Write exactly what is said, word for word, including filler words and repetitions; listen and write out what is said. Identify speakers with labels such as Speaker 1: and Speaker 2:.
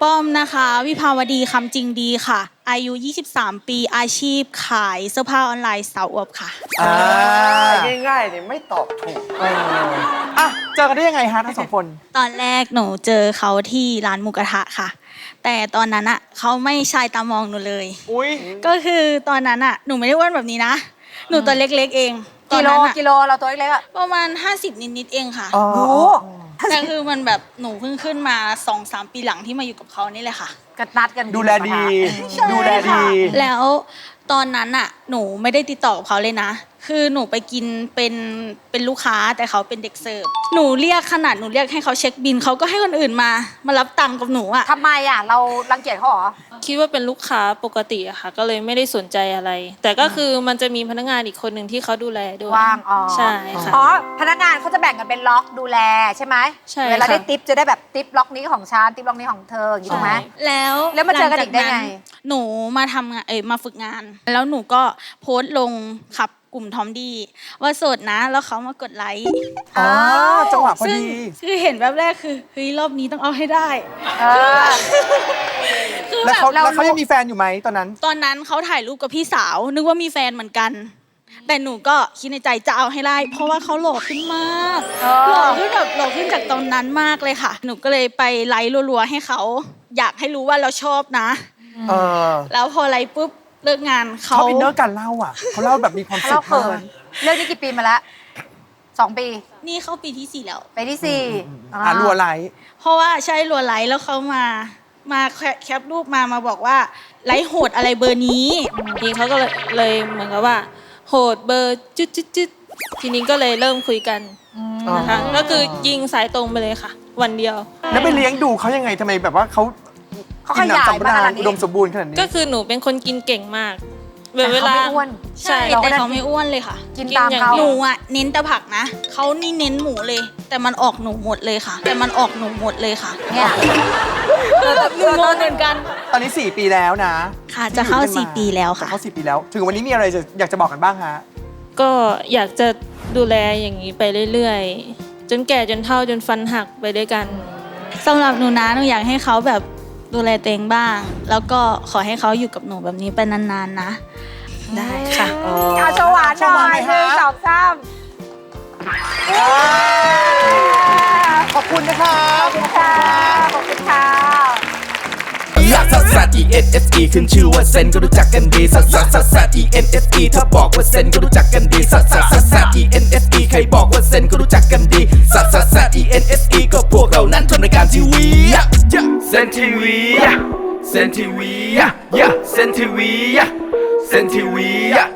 Speaker 1: ป้อมนะคะวิภาวดีคำจริงดีค่ะอายุยี่สิบสามปีอาชีพขายเสื้อผ้าออนไลน์สาวอวบค่ะ
Speaker 2: อ่าง่ายๆเนี่ยไม่ตอบถูกเอออ่ะเจอกันได้ยังไงฮะทั้งสองคน
Speaker 1: ตอนแรกหนูเจอเขาที่ร้านหมูกระทะค่ะแต่ตอนนั้นอ่ะเขาไม่ชายตามองหนูเลย
Speaker 2: อุ้ย
Speaker 1: ก็คือตอนนั้นอ่ะหนูไม่ได้อ้วนแบบนี้นะหนูตัวเล็กๆเอง
Speaker 3: กิโลกิโลเราตัวเล็กๆอะ
Speaker 1: ประมาณห้าสิบนิดๆเองค่ะ
Speaker 2: โอ้
Speaker 1: แต่คือมันแบบหนูเพิ่งขึ้นมา สองสาม ปีหลังที่มาอยู่กับเขานี่แหละค่ะ
Speaker 3: กระนัดกัน
Speaker 2: ดูแลดีดูแลดี
Speaker 1: แล้วตอนนั้นอ่ะหนูไม่ได้ติดต่อกับเขาเลยนะคือหนูไปกินเป็นเป็นลูกค้าแต่เขาเป็นเด็กเสิร์ฟหนูเรียกขนาดหนูเรียกให้เขาเช็คบิลเขาก็ให้คนอื่นมามารับตังค์กับหนูอ่ะ
Speaker 3: ทำไมอ่ะเรารังเกียจเขาเหรอ
Speaker 4: คิดว่าเป็นลูกค้าปกติอะค่ะก็เลยไม่ได้สนใจอะไร แต่ก็คือมันจะมีพนักงานอีกคนหนึ่งที่เขาดูแลด้วย
Speaker 3: ว่างอ๋อ
Speaker 4: ใช่ค่ะ
Speaker 3: อ๋อพนักงานเขาจะแบ่งกันเป็นล็อกดูแลใช่ไหม
Speaker 4: ใช่
Speaker 3: เวลาได้ทิปจะได้แบบทิปล็อกนี้ของฉันทิปล็อกนี้ของเธออย่างนี้ถูกไหม
Speaker 1: แล้ว
Speaker 3: แล้วมาเจอกันอีกได้ไง
Speaker 1: หนูมาทำงานเอ้ยมาฝึกงานแล้วหนูก็โพสต์ลงขับกลุ่มทอมดี้ว่าโสดนะแล้วเขามากดไลค์
Speaker 2: อ๋อจังหวะพอดี
Speaker 1: คือเห็นแบบแรกคือเฮ้ยรอบนี้ต้องเอาให้ได้
Speaker 2: แล้วเขาแล้วเขายังมีแฟนอยู่ไหมตอนนั้น
Speaker 1: ตอนนั้นเขาถ่ายรูปกับพี่สาวนึกว่ามีแฟนเหมือนกันแต่หนูก็คิดในใจจะเอาให้ได้เพราะว่าเขาหล่อขึ้นมากหล่อขึ้นแบบหล่อขึ้นจากตอนนั้นมากเลยค่ะหนูก็เลยไปไลค์รัวๆให้เขาอยากให้รู้ว่าเราชอบนะแล้วพอไลค์ปุ๊บเลิกงานเขา
Speaker 2: เขาอินเนอร์การเล่าอ่ะเขาเล่าแบบมีความสุขมาก
Speaker 3: เรื่องนี้กี่ปีมาแล้วสองปี
Speaker 1: นี่เข้าปีที่สี่แล้ว
Speaker 3: ปีที่สี่
Speaker 2: อ่ารัวไลค์
Speaker 1: เพราะว่าใช่รัวไลค์แล้วเขามามาแคปรูปมามาบอกว่าไลค์โหดอะไรเบอร์นี้
Speaker 4: ทีนี้เขาก็เลยเลยเหมือนกับว่าโหดเบอร์จุดจุดจุดทีนี้ก็เลยเริ่มคุยกันนะคะก็คือยิงสายตรงไปเลยค่ะวันเดียว
Speaker 2: แล้วไปเลี้ยงดูเขายังไงทำไมแบบว่าเขา
Speaker 3: เขาขยายมาขนาดนี้
Speaker 2: อุดมสมบูรณ์ขนาดนี้
Speaker 4: ก็คือหนูเป็นคนกินเก่งมาก
Speaker 3: เวลาไม่อ้วน
Speaker 1: ใช่แต่เขาไม่อ้วนเลยค่ะ
Speaker 3: กินตามเขา
Speaker 1: หนูอ่ะเน้นแต่ผักนะเขานี่เน้นหมูเลยแต่มันออกหนูหมดเลยค่ะแต่มันออกหนูหมดเลยค่ะ
Speaker 3: เนี่ย
Speaker 1: หนูงงเหมือนกัน
Speaker 2: ตอนนี้สี่ปีแล้วนะ
Speaker 1: ค่ะจะเข้าสี่ปีแล้วค่ะ
Speaker 2: เข้าสี่ปีแล้วถึงวันนี้มีอะไรจะอยากจะบอกกันบ้างฮะ
Speaker 4: ก็อยากจะดูแลอย่างนี้ไปเรื่อยๆจนแก่จนเฒ่าจนฟันหักไปด้วยกัน
Speaker 1: สำหรับหนูนะหนูอยากให้เขาแบบดูแลตัวเองบ้างแล้วก็ขอให้เขาอยู่กับหนูแบบนี้ไปนานๆนะได้ค่ะ
Speaker 3: เอาโชว์หวานหน่อยหนึ่งสองสาม
Speaker 2: ขอบคุณนะคะ
Speaker 3: ขอบคุณค่ะขอบคุณค่ะ
Speaker 5: ลักซัสซัส E N S E ขึ้นชื่อว่าเซนก็รู้จักกันดีซัสซัสซัสซัส E N S E ถ้าบอกว่าเซนก็รู้จักกันดีซัสซัสซัสซัส E N S E ใครบอกว่าเซนก็รู้จักกันดีซัสซัสซัส E N S E ก็พวกเรานั้นทำรายการทีวีเซนทีวีเซนทีวีเซนทีวีเซนทีวี